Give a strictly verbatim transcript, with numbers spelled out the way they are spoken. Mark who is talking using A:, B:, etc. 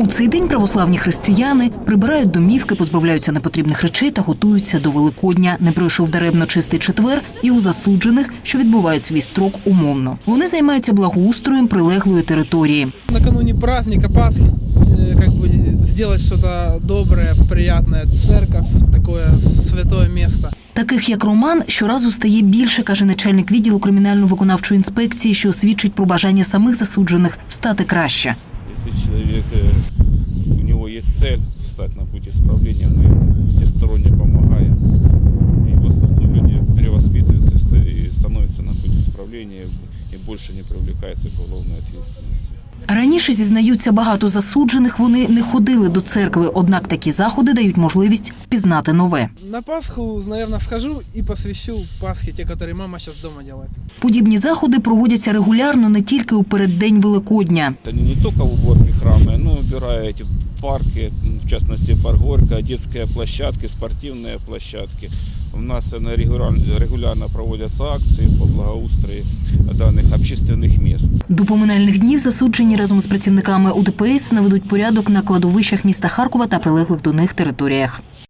A: У цей день православні християни прибирають домівки, позбавляються непотрібних речей та готуються до Великодня. Не пройшов даремно чистий четвер і у засуджених, що відбувають свій строк умовно. Вони займаються благоустроєм прилеглої території.
B: Накануне праздника Пасхи, как бы сделать что-то доброе, приятное, церковь, такое святое место.
A: Таких, як Роман, щоразу стає більше, каже начальник відділу кримінально-виконавчої інспекції, що свідчить про бажання самих засуджених стати краще.
C: Если человек, у него есть цель встать на путь исправления, мы ему всесторонне помогаем. И в основном люди перевоспитываются и становятся на путь исправления и больше не привлекаются к уголовной ответственности.
A: Раніше, зізнаються, багато засуджених, вони не ходили до церкви, однак такі заходи дають можливість пізнати нове.
B: На Пасху, наверное, схожу и посвящу Пасхе те, которые мама сейчас дома делает.
A: Подібні заходи проводяться регулярно не тільки у переддень Великодня.
C: Это не только уборки храма, но убирая эти парки, в частности парк Горько, детские площадки, спортивные площадки. У нас регулярно, регулярно проводятся акции по благоустрою даних общественних місць.
A: До поминальних днів засуджені разом з працівниками У Де Пе Ес наведуть порядок на кладовищах міста Харкова та прилеглих до них територіях.